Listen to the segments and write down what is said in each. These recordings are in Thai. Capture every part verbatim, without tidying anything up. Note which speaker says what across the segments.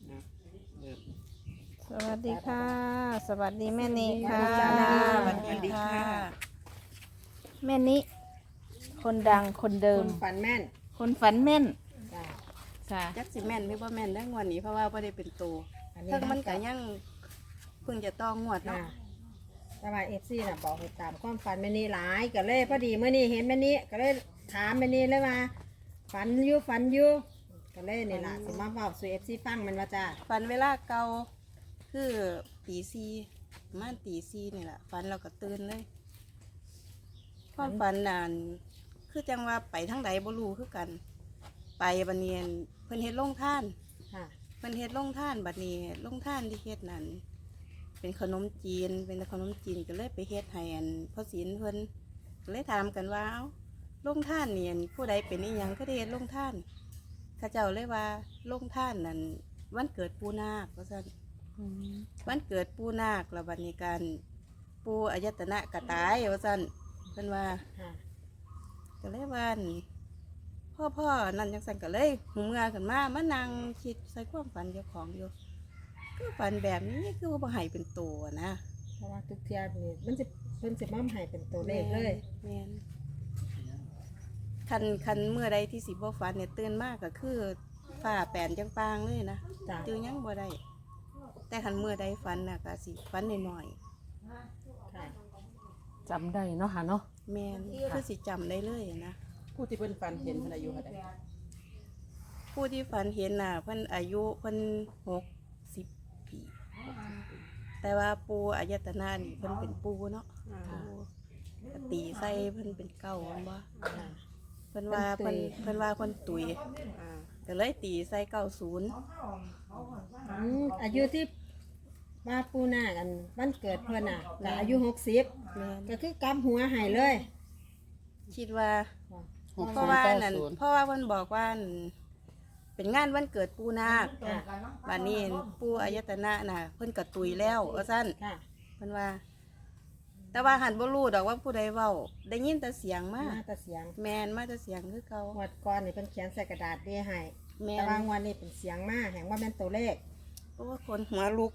Speaker 1: สวัสดีค่ะ สวัสดีแม่นิค่ะ
Speaker 2: สวัสดีค่ะ
Speaker 1: แม่นิคนดังคนเดิ
Speaker 2: ค
Speaker 1: ม
Speaker 2: นฝันแม่น
Speaker 1: คนฝันแม่น
Speaker 2: จ้ะ
Speaker 1: ค่ะ
Speaker 3: จักสิแม่นหรือบ่แม่นได้งวดนี้เพราะว่าบ่ได้เป็นตัว
Speaker 2: อันนี้
Speaker 3: เพิ่งมันก็ยังเพิ่งจะต้องงวด
Speaker 2: ค่ะ
Speaker 3: เนาะ
Speaker 2: แต่ว่าเอฟซีน่ะบอกให้ตามความฝันแม่นี่หลายก็เลยพอดีเมื่อนี้เห็นแม่นี่ก็เลยถามแม่นี่เลยว่าฝันอยู่ฝันอยู่ก็เลยนี่ล่ะสิมาบอกสู่เอฟซีฟังมันว่าจ้า
Speaker 3: ฝันเวลาเก่าคือตีสี่ประมาณตีสี่นี่แหละฝันเราก็ตื่นเลยความฝันนานคือจังว่าไปทางใดบ่รู้คือกัน ไปบัดนี้เพิ่นเฮ็ดโรงทาน
Speaker 2: ค่ะ
Speaker 3: เพิ่นเฮ็ดโรงทานบัดนี้โรงทานที่เฮ็ดนั่นเป็นขนมจีนเป็นขนมจีนก็เลยไปเฮ็ดให้อันพ่อศีลเพิ่นก็เลยถามกันว่าเอ้าโรงทานนี่อันผู้ใดเป็นอีหยังก็ได้เฮ็ดโรงทานข้าเจ้าเลยว่าโรงทานนั่นวันเกิดปู่นาคว่าซั่นวันเกิดปู่นาคแล้วบัดนี้การปู่อายตนะกะตายว่าซั่นเพิ่นว่า
Speaker 2: ค่ะ
Speaker 3: ก็เลยว่าอั่นพ่อพ่อนั่นจังสันก็เลยหูเมื่อขึ้นมามานั่งคิดใส่ความฝันเจ้าของอยู่ก็ฝันแบบนี้คือว่าบ่ให้เป็นตัวนะ
Speaker 2: เพราะว่าทุกเทียบนี่มันจะเพิ่นจะมั่มให้เป็นตัวเลขเลย
Speaker 3: แม่นคันคันเมื่อใดที่สิบ่ฝันเนี่ยตื่นมากก็คือฝ้าแปนจังปางเลยนะ
Speaker 2: จ้ะ
Speaker 3: ตื่นยังบ่ได้แต่คันเมื่อใดฝันน่ะก็สิฝันหน่อย
Speaker 2: ค่ะ
Speaker 1: จำได้เนาะค่ะเนาะ
Speaker 3: ๆแม่นคือสิจำได้เลยนะ
Speaker 4: ผู้ที่เพิ่นฝันเห็นเพิ่นอายุเท่าใด
Speaker 3: ผู้ที่ฝันเห็นน่ะเพิ่นอายุเพิ่นหกสิบปี แต่ว่าปูอายตนะนี่เพิ่นเป็นปูเนาะปูก็ตีใส่เพิ่นเป็นเก้าอันบ่
Speaker 2: ค่ะ
Speaker 3: เพิ่นว่า
Speaker 2: เพิ่
Speaker 3: เพิ่
Speaker 2: น
Speaker 3: น
Speaker 2: ตุย
Speaker 3: เพิ่นว่าเพิ่นตุย
Speaker 4: อ่า
Speaker 3: ก็เลยตีใส่เก้าศูนย์
Speaker 2: อืมอายุที่ว่าปูนาคกันวันเกิดเพิ่นน่ะก็อายุหกสิบ
Speaker 3: แม่น
Speaker 2: ก็คือกำหัวใหายเลย
Speaker 3: คิดว่า
Speaker 4: หก
Speaker 3: เพ
Speaker 4: ศู
Speaker 3: ราะ
Speaker 4: นย์
Speaker 3: ว่า
Speaker 4: เก้า
Speaker 3: นั่น
Speaker 4: ศูนย์
Speaker 3: เพราะว่าเพิ่นบอกว่านั่นเป็นงานวันเกิดปูนาค
Speaker 2: ค่ะ
Speaker 3: บัดนี้ปูอายตนะน่ะเพิ่นก็ตุยแล้วว่าซั่น
Speaker 2: ค่ะ
Speaker 3: เพิ่นว่า แต่ว่าหันบ่รู้ดอกว่าผู้ใดเว้าได้ยินแต่เสียงมา
Speaker 2: มาแต่เสียง
Speaker 3: แม่นมาแต่เสียงคือเก่าง
Speaker 2: วดก่อนนี่เป็นเขียนใส่กระดาษเดีให้
Speaker 3: แม่
Speaker 2: แต่ว่าน งวดนี้เป็นเสียงมาแห่งว่าเป็นตัวเลข
Speaker 3: โอ้คนหัวลุก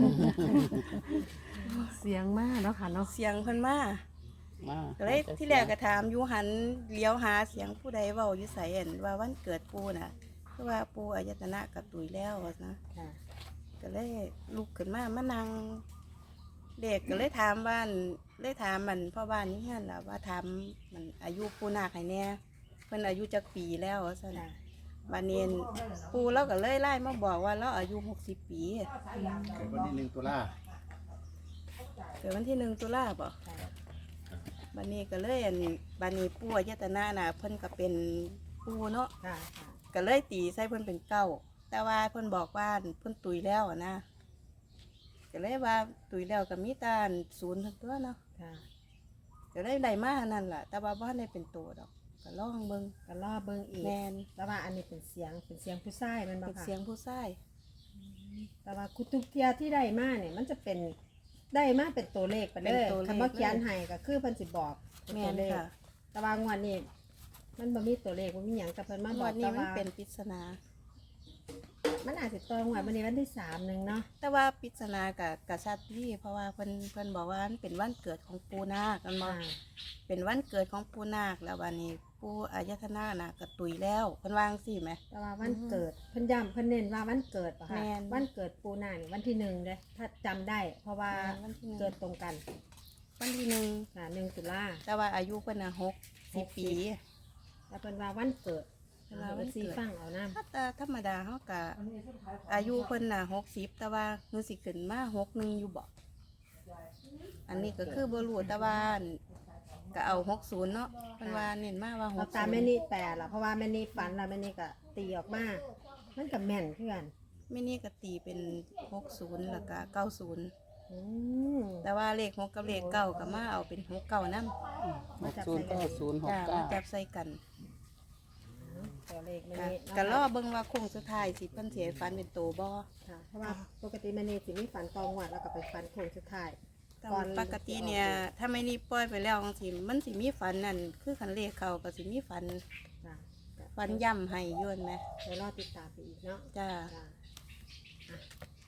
Speaker 1: เสียงมากเนาะค่ะเนาะ
Speaker 3: เสียงเพิ่นมา
Speaker 4: มา
Speaker 3: ก็เลยที่แรกก็ถามอยู่หันเลี้ยวหาเสียงผู้ใดเว้าอยู่ไสเห็นว่าวันเกิดปูน่ะคือว่าปูอายตนะกับตุยแล้วว่านะ
Speaker 2: ค่ะ
Speaker 3: ก็เลยลุกขึ้นมามานั่งเด็กก็เลยถามบ้านเลยถามมันพ่อบ้านนี่นั่นล่ะว่าถามมันอายุปูนาคให้แน่เพิ่นอายุจักปีแล้วว่าซั่น
Speaker 2: ค่ะ
Speaker 3: บัดนี้ปูเราก็เลยไล่มาบอกว่าเราอายุหกสิบปี
Speaker 5: เกิดวันที่หนึ่งตุลา
Speaker 3: เกิดวันที่หนึ่งตุลาบ่
Speaker 2: ค่ะ
Speaker 3: บัดนี้ก็เลยอันบัดนี้ปู่อายตนะน่ะเพิ่นก็เป็นปู่เนาะ
Speaker 2: ค่ะค่ะ
Speaker 3: ก็เลยตีใส่เพิ่นเป็นเก้าแต่ว่าเพิ่นบอกว่าเพิ่นตุยแล้วอะนะก็เลยว่าตุยแล้วก็มีแตาศูนย์ทั้งตัวเนาะ
Speaker 2: ค่ะ
Speaker 3: ก็เลยได้มานั่นล่ะแต่ว่าบ่ได้เป็นตัวดอกก็ลองเบิ่ง
Speaker 2: ก็ล่อเบิ่งอีก
Speaker 3: แม่น
Speaker 2: แต่ว่าอันนี้เป็นเสียงเป็นเสียงผู้ชายแมันบ่
Speaker 3: เป็น
Speaker 2: ค่ะ
Speaker 3: เสียงผู้ชาย
Speaker 2: แต่ว่าคุทุกเทียที่ได้มาเนี่ยมันจะเป็นได้มาเป็นตัวเลขไปเลยคำว่าเขียนให้ก็คือเพิ่นสิบอกเป็น
Speaker 3: แม่
Speaker 2: ตัวน เลข
Speaker 3: ค่ะ
Speaker 2: แต่ว่างวดนี้มันบ่มีตัวเลขบ่มีหยังแต่เพิ่นมาบ
Speaker 3: วั
Speaker 2: อก
Speaker 3: นนี้
Speaker 2: แต่
Speaker 3: มัน
Speaker 2: ว่า
Speaker 3: เป็นปริศนา
Speaker 2: มันอาจจะตรงวันวันนี้วันที่สามหนึ่งเนาะ
Speaker 3: แต่ว่าปริศนากับกษัตริย์ที่เพราะว่าเพิ่นเพิ่นบอกว่ามันเป็นวันเกิดของปู่นาคกันบ่
Speaker 2: อ่า
Speaker 3: เป็นวันเกิดของปู่นาคแล้ววันนี้ปู่อายตนะน่ะก็ตุยแล้วเพิ่นวาจั่งซี่ไหม
Speaker 2: แต่ว่าวันเกิดเพิ่นย้ำเพิ่นเน้นว่าวันเกิดป่ะคะ
Speaker 3: แม่น
Speaker 2: วันเกิดปูนานี่วันที่หนึ่งเด้ถ้าจำได้ เพราะว่า
Speaker 3: แม่นวันที่หนึ่ง
Speaker 2: เกิดตรงกัน
Speaker 3: วันที่หนึ่ง
Speaker 2: ค่ะหนึ่งตุลา
Speaker 3: แต่ว่าอายุเพิ่นน่ะหกสิบปี
Speaker 2: แล้วเพิ่นว่าวันเกิด
Speaker 3: เพิ่นว่าวันเกิด
Speaker 2: ซีฟังเอาน้
Speaker 3: ถ้าแต่ธรรมดาเขาก็อายุเพิ่นน่ะหกสิบแต่ว่าหนูสิขึ้นมาหกหนึ่งอยู่บ่อันนี้ก็คือบ่รู้แต่ว่าก็เอาหกศูนย์เนาะเพิ่นว่าเน้นมาว่า
Speaker 2: ำ
Speaker 3: ห
Speaker 2: เอา
Speaker 3: ก
Speaker 2: ตา
Speaker 3: ศู
Speaker 2: ม
Speaker 3: น
Speaker 2: แม่
Speaker 3: ย์
Speaker 2: นี่แปลละเพราะว่าแม่นี่ฝันแล้วแม่นี่ก็ตีออกมา มันกับแม่นเพื่อน
Speaker 3: ไม่นี่ก็ตีเป็นหกศูนย์แล้วก็เก้าศูนย์
Speaker 2: อืม
Speaker 3: แต่ว่าเลขหกกับเลขเก้าก็มาเอาเป็นหกเก้านำ
Speaker 4: หกศูนย์เก้าศูนย์หก
Speaker 3: จ้า
Speaker 4: เก้า
Speaker 3: มาจับใส่กัน
Speaker 2: ตัวเลขแม่
Speaker 3: ค่ะ
Speaker 2: นี่
Speaker 3: ก็รอเบิ่งว่าโค้งสุดท้ายสิเพิ่นสิให้ฟันเป็นโตบ่
Speaker 2: ค่ะเพราะว่าปกติแม่นี่สิมีฝันตองวัดแล้วก็ไปฝันโค้งสุดท้าย
Speaker 3: แต่ว่าปกติเนี่ยถ้าไม่นี่ปล่อยไปแล้วจังซี่มันสิมีฝันนั่นคือคันเลขเข้าก็สิมีฝัน
Speaker 2: ค่ะ
Speaker 3: ฝันย่ำให้อยนไหม
Speaker 2: เดี๋ยวรอติดตามไปอีกเนาะ
Speaker 3: จ้า
Speaker 2: จ้ะ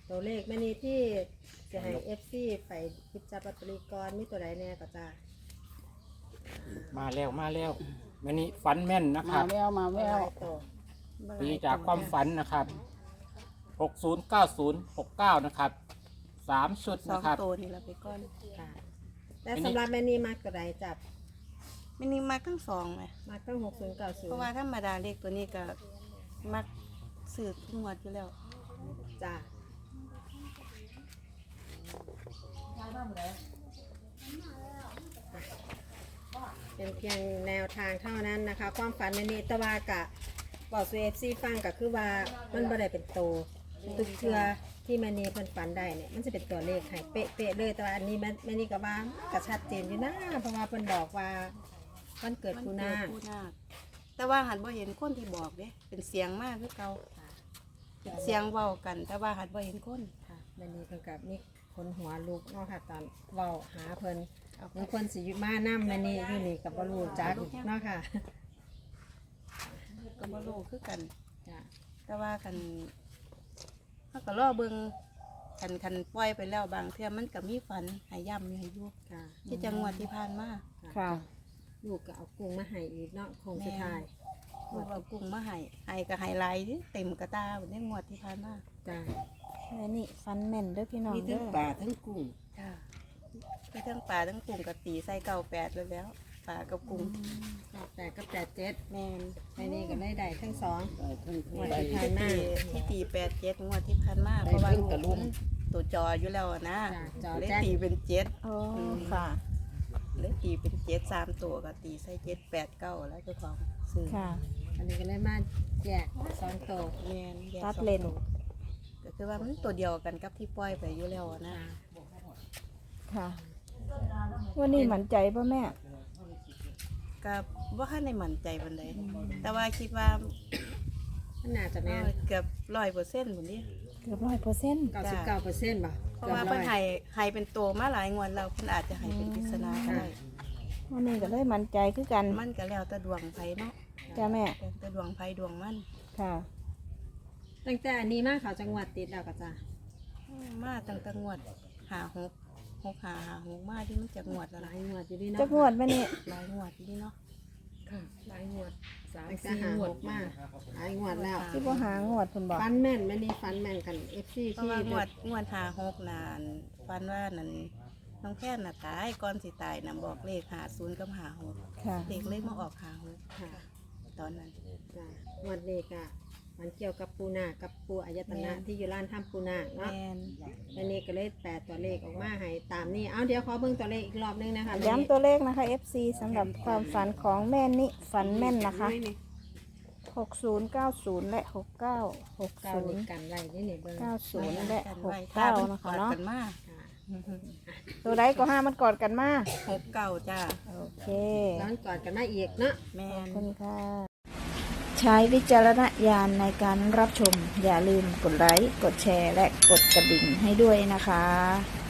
Speaker 2: ตัวเลขแม่นี้ที่จะให้ เอฟ ซี ไปหยิบจับลอตเตอรี่ก่อนมีตัวใดแน่ก็จ้า
Speaker 6: มาแล้วมาแล้ววันนี้ฝันแม่นนะค
Speaker 4: มา
Speaker 6: รับ
Speaker 4: แววมาแวว
Speaker 2: ตัว
Speaker 6: ปีจากความฝันนะครับหกศูนย์เก้าศูนย์หกเก้านะครับสามชุด
Speaker 3: สอง
Speaker 6: นะครับ
Speaker 3: ตัวนี่เราไปก่อน
Speaker 2: ค่ะแต่สำหรับแม่นี้มากตัวใดจับ
Speaker 3: ไม่นี่มาทั้งสองไหม
Speaker 2: มากตั้งหกศูนย์เก้าศูน
Speaker 3: เพราะ
Speaker 2: ย์
Speaker 3: ว่าธรรมดาเลขตัวนี้ก็มักสืบทุกงวดอยู่แล้ว
Speaker 2: จ้าเป็นเพียงแนวทางเท่านั้นนะคะ ความฝันแม่นี้แตะวากะบอกซูเอฟซีฟังก็คือว่ามันบ่ได้เป็นโตตุกเทือที่แม่นี้เพิ่นฝันได้เนี่ยมันจะเป็นตัวเลขให้เป๊ะๆเลยแต่ว่าอันนี้แม่แม่นี้ก็ว่าก็ชัดเจนอยู่นะเพราะว่าเพิ่นบอกว่าวันเกิด
Speaker 3: มัน
Speaker 2: กู
Speaker 3: เกิ
Speaker 2: นา
Speaker 3: ดผู้นาคแต่ว่าหันบ่เห็นคนที่บอกเด้เป็นเสียงมากคือเก่าเป็นเสียงเว้ากัน แต่ว่าหันบ่เห็นคน
Speaker 2: ค่ะแม่นี้เพิ่นกับมีคนหัวลูกเนาะค่ะตอนเว้าหาเพิ่นบางคนสิอยู่มานํแม่นี้อยู่นี่ก็บ่รู้จักเนาะค่ะ
Speaker 3: ก็บ่รู้คือกัน
Speaker 2: จ้ะ
Speaker 3: แต่ว่าคันเขาก็รอเบิ่งคันคันปล่อยไปแล้วบางเทื่อมันก็มีฝันใหายย่ำอยู่ให้อยู่
Speaker 2: ค่ะ
Speaker 3: ที่จังหวัดที่ผ่านมา
Speaker 1: ค่ะ
Speaker 2: ลูกก็เอากุ้งมาให้อีกเนาะคงสุดท้าย
Speaker 3: ลูกเอากุ้งมาให้ให้ก็ให้หลายเด้เต็มกระตาเหมือนในงวดที่ผ่านมา
Speaker 2: จ้ะ
Speaker 1: แม่นี่ฟันแม่นเด้อพี่น้อง
Speaker 4: มี
Speaker 1: เด้
Speaker 4: ทั้ง
Speaker 1: อ
Speaker 4: ป่าทั้งกุ้ง
Speaker 3: จ้ามีทั้งปลาทั้งกุ้งกะตีใส่เก่าแปดเลยแล้วปลากับกุ้ง
Speaker 2: ก็แปดก็แปดเจ็ด
Speaker 3: แมน
Speaker 2: แม่นี่ก็ได้ได้ทั้งสอง
Speaker 4: ได้ทั้ง
Speaker 2: งวด
Speaker 4: ได้
Speaker 2: ที่ผ่านมา
Speaker 3: ที่ตีแปดเจ็ดงวดที่ผ่านมาเพราะว่าลูกตัวจออยู่แล้วอะนะ
Speaker 2: จ้ะจอ
Speaker 3: เลย
Speaker 2: แจ็ค
Speaker 3: ตีเป็นเจ็ด
Speaker 1: โอ้ค่ะ
Speaker 3: เลยตีเป็นเจ็ดสามตัวก็ตีใส่เจ็ดแปดเก้าแล้วเจ้าของซื้อ
Speaker 1: ค่ะ
Speaker 2: อันนี้ก็ได้มาแยกสองตัว
Speaker 3: แมนแยก
Speaker 1: ตัด
Speaker 3: สอง
Speaker 1: เลน
Speaker 3: ตัวก็คือว่ามันตัวเดียวกันกับที่ปล่อยไปอยู่แล้วอะนะ
Speaker 1: ค่ะ วันนี้หมั่นใจป่ะแม่
Speaker 3: ก็ว่าให้ในมั่นใจบันไดแต่ว่าคิดว่า
Speaker 2: มันน่าจะแม่น
Speaker 3: เกือบร้อยเปอร์เซ็นต์หมดนี้
Speaker 1: เกือบร้อยเปอร์เซ็นต์
Speaker 2: เก้าสิบเก้าเปอร์เซ็นต์ป่ะ
Speaker 3: เพราะว่าเพิ่นให้ให้เป็นตัวมาหลายงวดแล้วเพิ่นอาจจะให้เป็นปริศนาก็ได้
Speaker 1: วันนี้ก็เลยหมั่นใจคือกัน
Speaker 3: มันก็แล้วแต่ดวงไผเนาะ
Speaker 1: จ้าแม่
Speaker 3: แล้วแต่ดวงไผดวงมัน
Speaker 1: ค่ะ
Speaker 2: ตั้งแต่อันนี้มาเขาจังหวัดติดแล้วก็จ้ะ
Speaker 3: มาตั้งแต่งวดหาหกหกหาหาหกมาที่มันจะงวดแล้ว
Speaker 2: ห
Speaker 3: ห
Speaker 2: ลา
Speaker 3: ลาย
Speaker 2: ยงวดอยู่ดีเนาะ
Speaker 1: จักงวดแม่นี่
Speaker 3: หลายงวดที่นี่เนาะ
Speaker 2: ค่ะหลายงวดสามสี่งวดมากหลายงวดแล้ว
Speaker 1: ที่บ่หางวดคุณบอก
Speaker 2: ฟันแม่นแม่นี่ฟันแม่นกันเอฟซี
Speaker 3: เพราะ
Speaker 2: ที่
Speaker 3: ว่างวดงวดหาหกนานฟันว่านั่นน้องแค่น่ะตายก่อนสิตายน่ะบอกเลขหาศูนย์กับหาหก
Speaker 1: ค่ะ
Speaker 3: เด็กเลขมาออกหาหก
Speaker 2: ค่ะ
Speaker 3: ตอนนั้น
Speaker 2: จ้ะงวดนี้ก็มันเกี่ยวกับปูนาคกับปูอายตนะที่อยู่ร้านถ้ำปูนาค
Speaker 3: แม
Speaker 2: เนาะ
Speaker 3: น
Speaker 2: แม่นี่ก็เลยแปดตัวเลขออกมาให้ตามนี้เอาเดี๋ยวขอเบิ่งตัวเลขอีกรอบนึงนะคะ
Speaker 1: ย้ำตัวเลขนะคะ เอฟ ซี สำหรับความฝันของแม่นิฝันแม่นนะคะ หกศูนย์ เก้าศูนย์ และ หกเก้า หก
Speaker 2: เก้า
Speaker 1: ศู
Speaker 2: เล
Speaker 1: น
Speaker 2: ข
Speaker 1: ย์
Speaker 2: กันไรนี่นี่เบิ่ง
Speaker 1: เก้าศูนย์และ
Speaker 3: กัน
Speaker 1: ห
Speaker 3: ไว้
Speaker 1: ก
Speaker 3: ถ้า
Speaker 1: เก้า
Speaker 3: มัน
Speaker 1: นะ
Speaker 3: ก
Speaker 1: คะ
Speaker 3: อด
Speaker 1: เนาะ
Speaker 3: กันมา
Speaker 2: ค่ะ
Speaker 1: ตัวใดก็ห้ามันกอดกันมา
Speaker 3: หกเก้าจ้า
Speaker 1: โอเค
Speaker 2: ย้อนก่อนกันมาอีกเนาะ
Speaker 3: แม
Speaker 1: ขอบ
Speaker 3: น
Speaker 1: คุณค่ะ ใช้วิจารณญาณในการรับชม อย่าลืมกดไลค์ กดแชร์ และกดกระดิ่งให้ด้วยนะคะ